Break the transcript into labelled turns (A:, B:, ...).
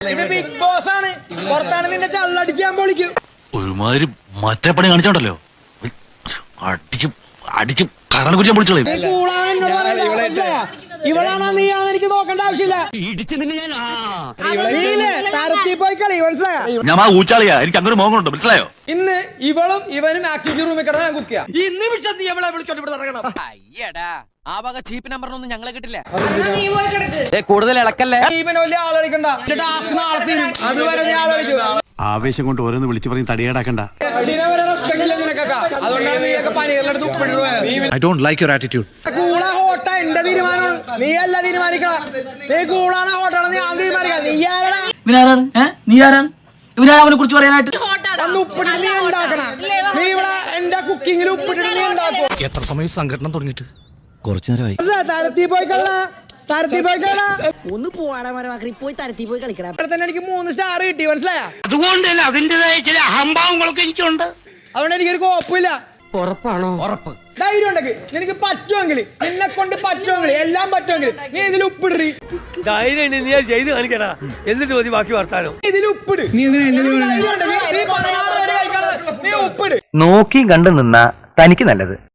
A: ഇത് big boss ആണ്. പുറത്താണ് നിന്റെ ചള്ളടിച്ച് ഞാൻ പൊളിക്കും.
B: ഒരുമാതിരി മറ്റേ പണി കാണിച്ചോണ്ടല്ലോ, അടിച്ച് കരണ കുറിച്ച് പൊളിച്ചോളൂ.
A: ഇവളാണോ നീയാണോ എനിക്ക് നോക്കേണ്ട ആവശ്യമില്ല. തരത്തി പോയി കളി മനസ്സിലായോ?
B: ഞാൻ ആ ഊച്ചാളിയാ, എനിക്ക് അങ്ങനെ മോഹമുണ്ട്, മനസ്സിലായോ?
A: ഇന്ന് ഇവളും ഇവനും ആക്ടിവിറ്റി റൂമിൽ കിടന്ന് ഞാൻ കുക്ക് ചെയ്യാം.
C: ചീപ്പ് നമ്പറിനൊന്നും ഞങ്ങളെ കിട്ടില്ല.
D: കൂടുതൽ ഇളക്കല്ലേ.
A: ഇവന് വലിയ ആളടിക്കണ്ട. ടാസ്ക് നാളെ തീരും. അതുവരെ നീ ആളടിക്കും.
E: ആവേശം കൊണ്ട് ഓരോന്ന് വിളിച്ചു പറഞ്ഞ് തടിയേടാക്കണ്ട.
A: അതുകൊണ്ടാണ് നീയൊക്കെ പനികളുടെ ഉപ്പിട്ട്
E: I don't like your attitude.
A: കൂളാ ഹോട്ട എന്റെ തീരുമാനമാണ്. നീ അല്ല തീരുമാനിക്കണ. നീ കൂളാണ് ഹോട്ടാണെന്ന് ഞാൻ തീരുമാനിക്കാം. നീ ആരാണ്?
D: നീ ആരാണ് ഇവനെ കുറിച്ച് പറയാനായിട്ട്?
A: അന്ന് ഉപ്പിട്ട് നീ ഉണ്ടാക്കണ. നീ ഇവിടെ എന്റെ കുക്കിങ്ങിൽ ഉപ്പിട്ട് നീ ഉണ്ടാക്കും.
B: എത്ര സമയം സംഘടന തുടങ്ങിയിട്ട്?
D: കുറച്ചു നേരമായി.
A: തരത്തി പോയി കള.
F: ഒന്ന് പോവാടാ മരമാക്കി പോയി തരത്തി പോയി കളിക്കണം.
A: തന്നെ എനിക്ക് 3 സ്റ്റാർ കിട്ടി മനസ്സിലായ.
B: അതുകൊണ്ടല്ല, അതിന്റേതായ ചില അഹംഭാവങ്ങളൊക്കെ എനിക്കുണ്ട്.
A: അതുകൊണ്ട് എനിക്കൊരു കുഴപ്പമില്ല.
D: ഉറപ്പാണോ? ഉറപ്പ്.
A: ധൈര്യം ഉണ്ടെങ്കിൽ നിനക്ക് പറ്റുമെങ്കിൽ, നിന്നെ കൊണ്ട് പറ്റുമെങ്കിൽ, എല്ലാം പറ്റുമെങ്കിൽ നീ ഇതിൽ ഉപ്പിടി.
G: ധൈര്യം നീ ചെയ്ത് കാണിക്കടാ, എന്നിട്ട് മതി ബാക്കി വർത്താനോ.
A: ഇതിൽ ഉപ്പിട്. നീ ഉപ്പിട്.
D: നോക്കി കണ്ടു നിന്നാ തനിക്ക് നല്ലത്.